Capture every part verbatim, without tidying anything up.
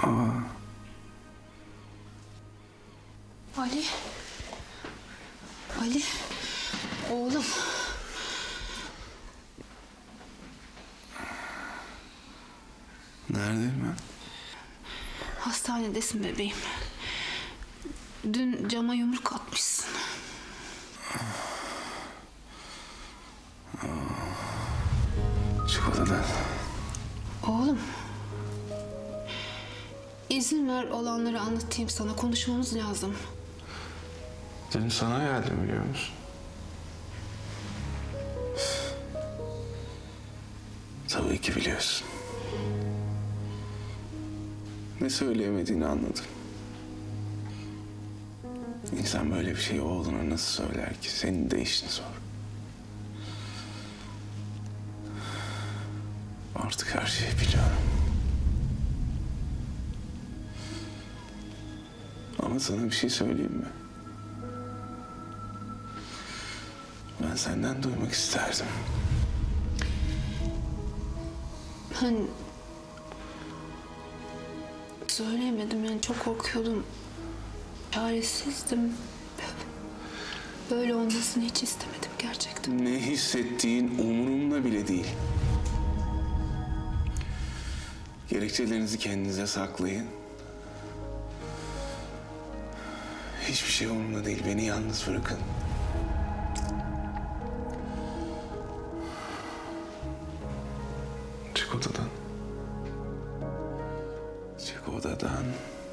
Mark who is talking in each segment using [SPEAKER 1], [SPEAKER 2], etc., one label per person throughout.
[SPEAKER 1] Ali. Ali. Oğlum.
[SPEAKER 2] Neredeyim ben?
[SPEAKER 1] Hastanedesin bebeğim. Dün cama yumruk atmışsın.
[SPEAKER 2] Çık odadan.
[SPEAKER 1] Oğlum. İzin ver olanları anlatayım sana. Konuşmamız lazım.
[SPEAKER 2] Dün sana geldim biliyor musun? Tabii ki biliyorsun. Ne söyleyemediğini anladım. İnsan böyle bir şeyi oğluna nasıl söyler ki? Senin de işin zor. Artık her şeyi biliyorum. Ama sana bir şey söyleyeyim mi? Ben senden duymak isterdim.
[SPEAKER 1] Ben söyleyemedim yani çok korkuyordum. Çaresizdim. Böyle olmasını hiç istemedim gerçekten.
[SPEAKER 2] Ne hissettiğin umurumda bile değil. Gerekçelerinizi kendinize saklayın. Hiçbir şey umurumda değil. Beni yalnız bırakın. Çık odadan. Çık odadan.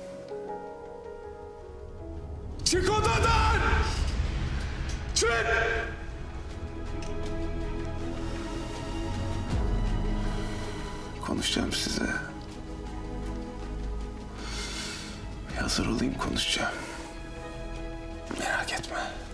[SPEAKER 2] Çık odadan! Çık! Konuşacağım size. Bir hazır olayım, konuşacağım. Merak etme.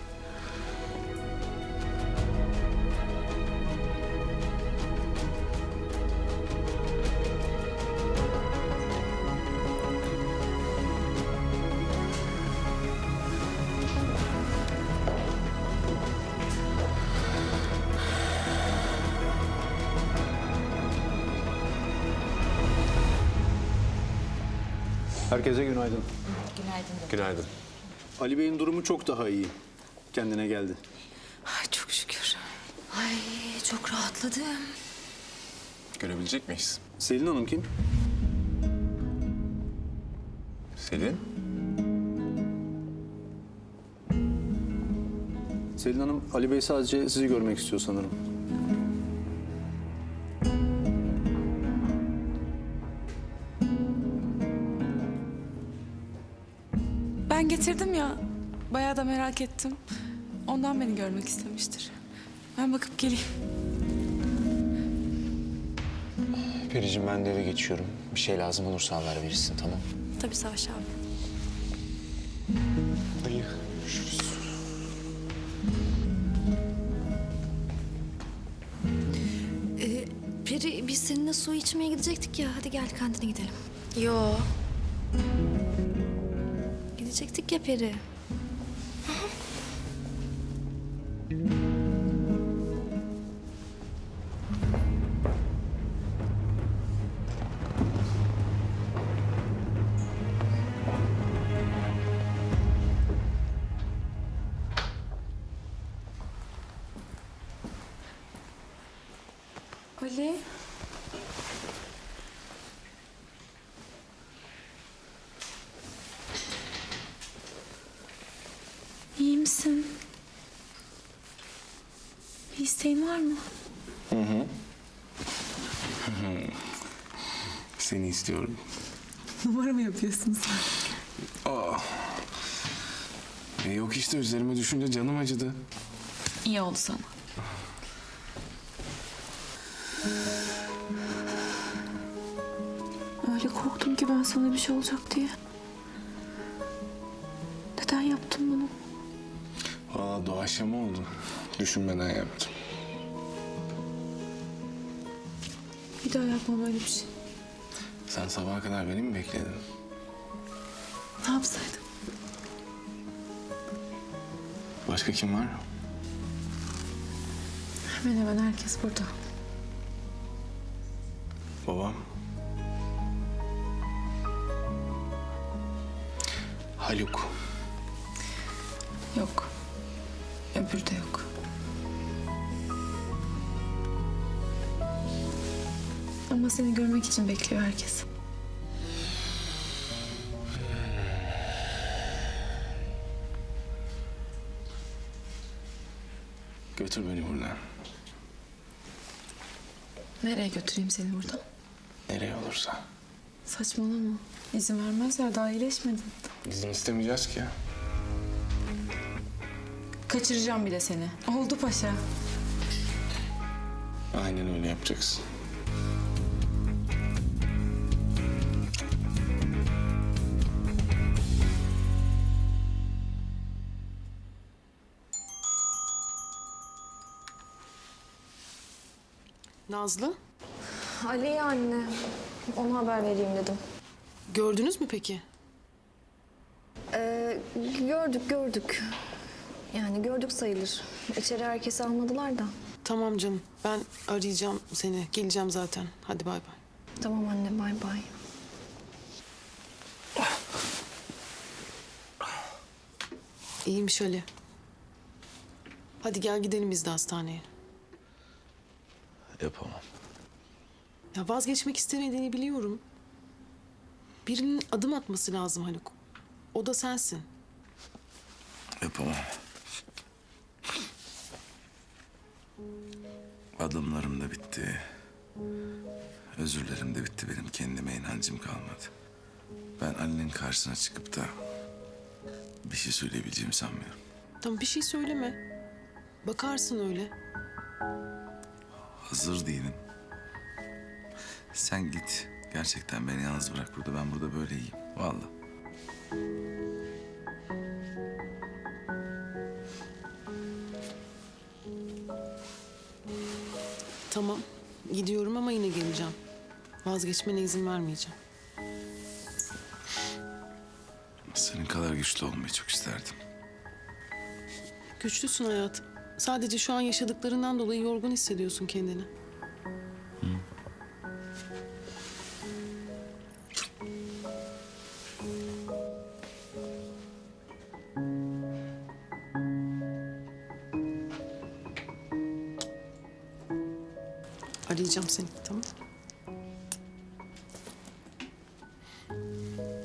[SPEAKER 3] Herkese günaydın.
[SPEAKER 2] Günaydın.
[SPEAKER 3] Ali Bey'in durumu çok daha iyi. Kendine geldi.
[SPEAKER 4] Ay çok şükür. Ay çok rahatladım.
[SPEAKER 2] Görebilecek miyiz?
[SPEAKER 3] Selin Hanım kim?
[SPEAKER 2] Selin?
[SPEAKER 3] Selin Hanım, Ali Bey sadece sizi görmek istiyor sanırım.
[SPEAKER 5] Ben getirdim ya. Bayağı da merak ettim. Ondan beni görmek istemiştir. Ben bakıp geleyim.
[SPEAKER 6] Periciğim ben de eve geçiyorum. Bir şey lazım olursa haber verirsin, tamam?
[SPEAKER 4] Tabii Savaş abi.
[SPEAKER 6] Dayı, görüşürüz.
[SPEAKER 4] Ee, Peri biz seninle su içmeye gidecektik ya. Hadi gel kantine gidelim. Yo. Gidecektik ya Peri.
[SPEAKER 5] Ali. İyi misin? Bir isteğin var mı?
[SPEAKER 2] Seni istiyorum.
[SPEAKER 5] Numara mı yapıyorsun sen?
[SPEAKER 2] Aa. E yok işte, üzerime düşünce canım acıdı.
[SPEAKER 5] İyi oldu sana. Öyle korktum ki ben sana bir şey olacak diye. Neden yaptın bunu?
[SPEAKER 2] Valla doğaçlama oldu. Düşünmeden yaptım.
[SPEAKER 5] Bir daha yapma böyle bir şey.
[SPEAKER 2] Sen sabaha kadar beni mi bekledin?
[SPEAKER 5] Ne yapsaydım?
[SPEAKER 2] Başka kim var?
[SPEAKER 5] Hemen hemen herkes burada.
[SPEAKER 2] Babam. Haluk.
[SPEAKER 5] Yok. Öbürü de yok. Ama seni görmek için bekliyor herkes.
[SPEAKER 2] Götür beni buradan.
[SPEAKER 5] Nereye götüreyim seni buradan?
[SPEAKER 2] Nereye olursa.
[SPEAKER 5] Saçmalama. İzin vermezler, daha iyileşmedin.
[SPEAKER 2] İzin istemeyeceğiz ki ya.
[SPEAKER 5] Kaçıracağım bir de seni. Oldu paşa.
[SPEAKER 2] Aynen öyle yapacaksın.
[SPEAKER 7] Nazlı,
[SPEAKER 4] Ali'ye anne. Ona haber vereyim dedim.
[SPEAKER 7] gördünüz mü peki?
[SPEAKER 4] Ee, gördük gördük. Yani gördük sayılır. İçeri herkesi almadılar da.
[SPEAKER 7] Tamam canım, ben arayacağım seni. Geleceğim zaten. Hadi bay bay.
[SPEAKER 4] Tamam anne bay bay.
[SPEAKER 7] İyiymiş Ali. Hadi gel gidelim biz de hastaneye.
[SPEAKER 8] Yapamam.
[SPEAKER 7] Ya vazgeçmek istemediğini biliyorum. Birinin adım atması lazım Haluk. O da sensin.
[SPEAKER 8] Yapamam. Adımlarım da bitti. Özürlerim de bitti. Benim kendime inancım kalmadı. Ben Ali'nin karşısına çıkıp da bir şey söyleyebileceğimi sanmıyorum.
[SPEAKER 7] Tamam bir şey söyleme. Bakarsın öyle.
[SPEAKER 8] Hazır değilim. Sen git. Gerçekten beni yalnız bırak burada. Ben burada böyle iyiyim. Vallahi.
[SPEAKER 7] Tamam gidiyorum ama yine geleceğim. Vazgeçmene izin vermeyeceğim.
[SPEAKER 8] Senin kadar güçlü olmayı çok isterdim.
[SPEAKER 7] Güçlüsün hayatım. Sadece şu an yaşadıklarından dolayı yorgun hissediyorsun kendini. Arayacağım seni, tamam?